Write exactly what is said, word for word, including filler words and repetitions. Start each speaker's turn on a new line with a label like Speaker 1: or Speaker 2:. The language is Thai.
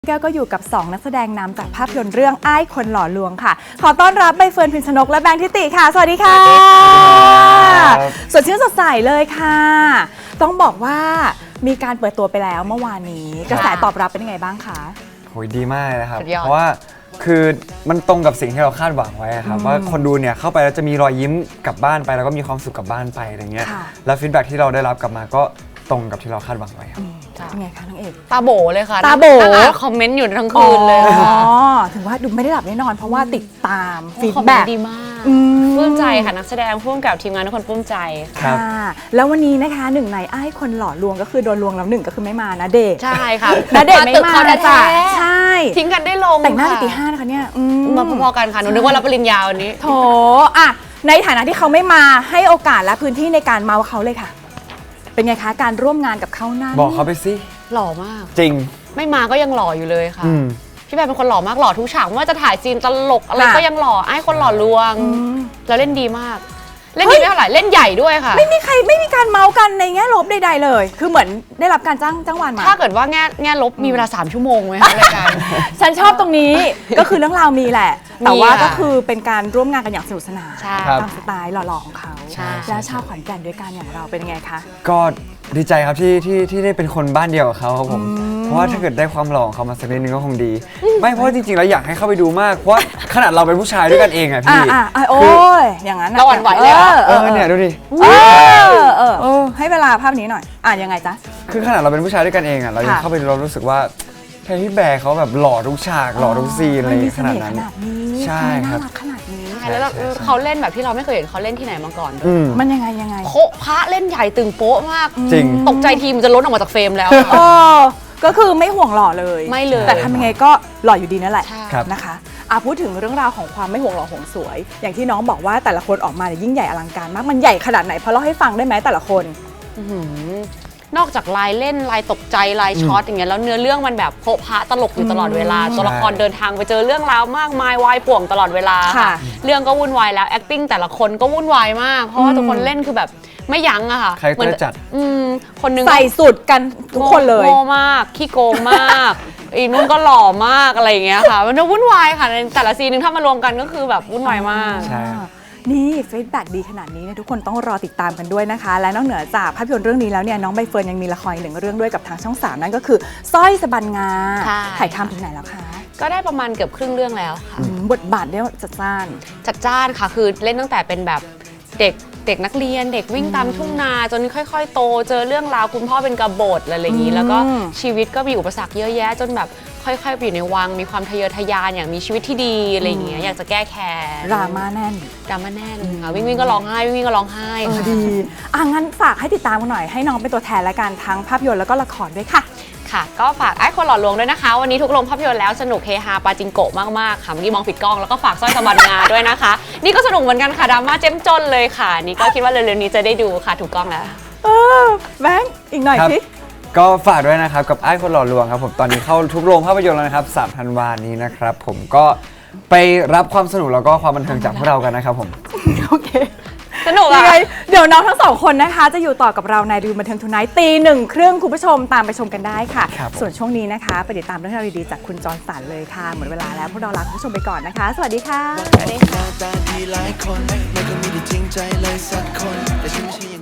Speaker 1: แก้วก็อยู่กับสองนักแสดงนำจากภาพยนตร์เรื่องอ้ายคนหล่อลวงค่ะขอต้อนรับใบเฟิร์น พิมชนกและแบงค์ทิติค่ะสวัสดีค่ะสดชื่นสดใสเลยค่ะต้องบอกว่ามีการเปิดตัวไปแล้วเมื่อวานนี้กระแสตอบรับเป็นยังไงบ้างคะ
Speaker 2: โหดีมากเลยครับเพราะว่าคือมันตรงกับสิ่งที่เราคาดหวังไว้ครับว่าคนดูเนี่ยเข้าไปแล้วจะมีรอยยิ้มกลับบ้านไปแล้วก็มีความสุขกลับบ้านไปอะไรเงี้ยแล้วฟีดแบ็กที่เราได้รับกลับมาก็ตรงกับที่เราคาดหวังไว้ครับ
Speaker 1: เป็นไงคะน้องเอก
Speaker 3: ตาโบเลยค่ะ
Speaker 1: ตาโบ
Speaker 3: คอมเมนต์อยู่ทั้งคืนเลย
Speaker 1: อ๋อถึงว่าดูไม่ได้หลับแน่นอนเพราะว่าติดตามฟีดแบ็ก
Speaker 3: ดีมากปลื้มใจค่ะนักแสดงร่วมกับทีมงานทุกคนปลื้มใจ
Speaker 1: ค่ะแล้ววันนี้นะคะหนึ่งในอ้ายคนหล่อลวงก็คือโดนลวงแล้วหนึ่งก็คือไม่มานะเดช
Speaker 3: ใช่ค่ะ
Speaker 1: นะเดชไม่มาจ้ะใช่
Speaker 3: ทิ้งกันได้ลง
Speaker 1: แต่งหน้าตีห้านะคะเนี่ย
Speaker 3: มาพอๆกันค่ะหนูนึกว่ารับปริญญาวันนี้
Speaker 1: โถอ่ะในฐานะที่เขาไม่มาให้โอกาสและพื้นที่ในการเมาเขาเลยค่ะเป็นไงคะการร่วมงานกับเขานั้น
Speaker 2: บอกเขาไปสิ
Speaker 3: หล่อมาก
Speaker 2: จริง
Speaker 3: ไม่มาก็ยังหล่ออยู่เลยค่ะพี่แบร์เป็นคนหล่อมากหล่อทุกฉากไม่ว่าจะถ่ายซีนตลกอะไรก็ยังหล่อไอ้คนหล่อลวงแล้วเล่นดีมากเล่นดีไม่เท่าไหร่เล่นใหญ่ด้วยค่ะ
Speaker 1: ไม่มีใครไม่มีการเมากันในแง่ลบใดๆเลยคือเหมือนได้รับการจ้างจ้างวานมา
Speaker 3: ถ้าเกิดว่าแง่แง่ลบมีเวลาสามชั่วโมงไหมคะรายการ
Speaker 1: ฉันชอบตรงนี้ก็คือเรื่องราวมีแหละแต่ว่าก็คือเป็นการร่วมงานกันอย่างสนุกสนานตามสไตล์หล่อๆของเขาแล้วชาวขอนแก่นด้วยกันอย่างเราเป็นไงคะ
Speaker 2: ก็ดีใจครับที่ที่ที่ได้เป็นคนบ้านเดียวกับเขาครับผมเพราะว่าถ้าเกิดได้ความหล่อของเขามาสักนิดนึงก็คงดีไม่เพราะจริงๆแล้วอยากให้เข้าไปดูมากเพราะขนาดเราเป็นผู้ชายด้วยกันเองอะพี่
Speaker 1: อ่าโอ้ยอย่างนั้น
Speaker 3: เราหวั่นไหวเลย
Speaker 2: เออเนี่ยดูดิ
Speaker 1: เออเออให้เวลาภาพนี้หน่อยอ่ะยังไงจ๊ะ
Speaker 2: คือขนาดเราเป็นผู้ชายด้วยกันเองอะเรายังเข้าไปดูเรารู้สึกว่าพี่แบร์เขาแบบหล่อทุกฉากหล่อทุกซีนอะไรขนาดนั้น
Speaker 1: ใช่ครับขนาดนี้
Speaker 3: แล้วเขาเล่นแบบที่เราไม่เคยเห็นเขาเล่นที่ไหนมาก่อน
Speaker 1: มันยังไงยังไง
Speaker 3: โคพระเล่นใหญ่ตึงโป๊ะมาก
Speaker 2: จริง
Speaker 3: ตกใจทีมันจะล้นออกมาจากเฟรมแล้ว
Speaker 1: เออก็คือไม่ห่วงหล่อเลย
Speaker 3: ไม่เลย
Speaker 1: แต่ทำยังไงก็หล่ออยู่ดีนั่นแหละนะคะอ่ะพูดถึงเรื่องราวของความไม่ห่วงหล่อห่วงสวยอย่างที่น้องบอกว่าแต่ละคนออกมาเนี่ยยิ่งใหญ่อลังการมากมันใหญ่ขนาดไหนพอเล่าให้ฟังได้ไหมแต่ละคน
Speaker 3: นอกจากลายเล่นลายตกใจลายช็อตอย่างเงี้ยแล้วเนื้อเรื่องมันแบบโผล่พระตลกอยู่ตลอดเวลาตัวละครเดินทางไปเจอเรื่องราวมากมายวายป่วงตลอดเวลาค่ะเรื่องก็วุ่นวายแล้ว acting แต่ละคนก็วุ่นวายมากเพราะว่าทุกคนเล่นคือแบบไม่ยั้งอะค่ะ
Speaker 2: ใครก็จัด
Speaker 3: อืมคนนึง
Speaker 1: ใส่สุดกันทุกคนเลย
Speaker 3: โง่มากขี้โกงมากอีนุ่นก็หล่อมากอะไรอย่างเงี้ยค่ะมันจะวุ่นวายค่ะในแต่ละซีนนึงถ้ามารวมกันก็คือแบบวุ่นวายมาก
Speaker 2: ใช่
Speaker 1: นี่ฟีดแบ็กดีขนาดนี้เนี่ยทุกคนต้องรอติดตามกันด้วยนะคะและนอกเหนือจากภาพยนตร์เรื่องนี้แล้วเนี่ยน้องใบเฟิร์นยังมีละครอีกหนึ่งเรื่องด้วยกับทางช่องสามนั่นก็คือสร้อยสะบันงาถ่ายทำถึงไหนแล้วคะ
Speaker 3: ก็ได้ประมาณเกือบครึ่งเรื่องแล้วค่ะ
Speaker 1: บทบาทเนี่ยจัดจ้าน
Speaker 3: จัดจ้านค่ะคือเล่นตั้งแต่เป็นแบบเด็กเด็กนักเรียนเด็กวิ่งตามทุ่งนาจนค่อยๆโตเจอเรื่องราวคุณพ่อเป็นกบฏอะไรอย่างนี้แล้วก็ชีวิตก็มีอุปสรรคเยอะแยะจนแบบค่อยๆไปอยู่ในวังมีความทะเยอทะยานอย่างมีชีวิตที่ดีอะไรอย่างเงี้ยอยากจะแก้แค้น
Speaker 1: ดราม่าแน่น
Speaker 3: ดราม่าแน่นค่ะวิ่งวิ่งก็ร้องไห้วิ่งวิ่งก็ร้องไห้
Speaker 1: ดีอ่ะงั้นฝากให้ติดตามกันหน่อยให้น้องเป็นตัวแทนและกันทั้งภาพยนตร์แล้วก็ละครด้วยค่ะ
Speaker 3: ค่ะก็ฝากไอ้คนหล่อลวงด้วยนะคะวันนี้ทุกโรงภาพยนตร์แล้วสนุกเฮฮาปาจิงโกะมากๆค่ะเมื่อกี้มองผิดกล้องแล้วก็ฝากสร้อยสะบันงาด้วยนะคะนี่ก็สนุกเหมือนกันค่ะดราม่าเจ้มจนเลยค่ะนี่ก็คิดว่าเร็วๆนี้จะได้ดูค่ะถูกกล้องแล้ว
Speaker 1: เออแบงค์อีกหน่อยสิ
Speaker 2: ก็ฝากด้วยนะครับกับไอ้คนหล่อลวงครับผมตอนนี้เข้าทุกโรงภาพยนตร์แล้วนะครับสามธันวาคมนี้นะครับผมก็ไปรับความสนุกแล้วก็ความบันเทิงจากพวกเรากันนะครับผม
Speaker 1: โอเค
Speaker 3: สนุกอะ
Speaker 1: เดี๋ยวน้องทั้งสองคนนะคะจะอยู่ต่อกับเราในดูบันเทิงทูไนท์ตีหนึ่งครึ่งคุณผู้ชมตามไปชมกันได้ค่ะส่วนช่วงนี้นะคะไปติดตามเรื่องราวดีๆจากคุณจอห์นสันเลยค่ะหมดเวลาแล้วพวกเราลาคุณผู้ชมไปก่อนนะคะสวัสดีค่ะ
Speaker 3: สวัสดีค่ะ